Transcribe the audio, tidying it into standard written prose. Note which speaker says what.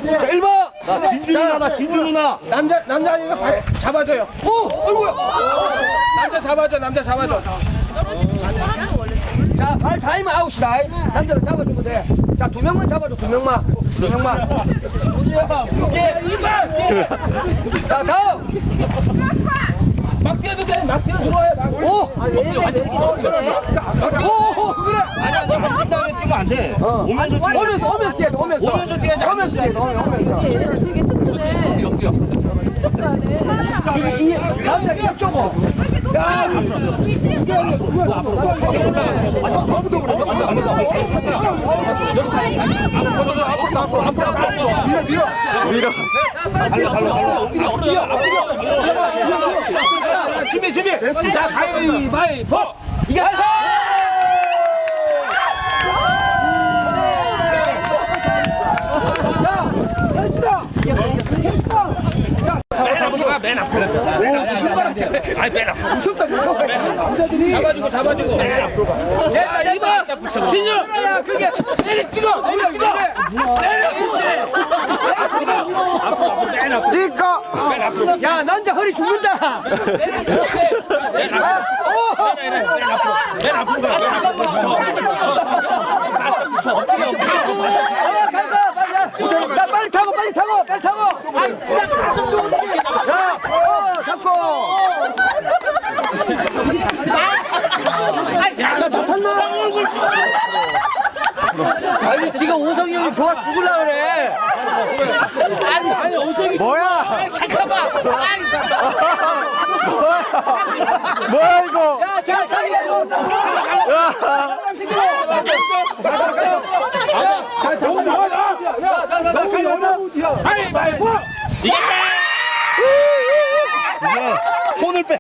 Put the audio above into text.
Speaker 1: 자, 1번.
Speaker 2: 나 진주 누나, 진주 누나.
Speaker 1: 남자니까 잡아줘요. 오, 어이구야. 남자 잡아줘. 자, 발 타이면 아웃이다. 남자를 잡아주면 돼. 자, 2명만 잡아줘, 2명만. 자, 다음. 막 뛰어도 돼, 막 뛰어 들어와요. 오! 오, 그래.
Speaker 2: 아니야, 너 한 다음에 뛰면 안 돼. 오면서 뛰어.
Speaker 1: 오면서 뛰어야 돼, 오면서.
Speaker 2: 오면서 뛰어야지.
Speaker 1: 오면서.
Speaker 3: 얘네들 되게 튼튼해. 흡족도 안 해.
Speaker 1: 이 남자 협조고. 야,
Speaker 2: 밀어.
Speaker 1: 준비. 자, 가위바위보. 이게 맨 앞으로. 무섭다. 잡아주고. 됐다, 2번. 진유. 야, 그게 내리 찍어. 찍어. 야, 남자 허리 죽는다. 자, 빨리 타고. 자, 잡고. 자, 다 탔나?
Speaker 2: 아니, 지금 오성이 형이 좋아 죽으려 그래.
Speaker 1: 아니, 오색이.
Speaker 2: 뭐야?
Speaker 1: 잠깐만.
Speaker 2: 뭐야, 이거?
Speaker 1: 야, 자,
Speaker 2: 이게 손을 빼.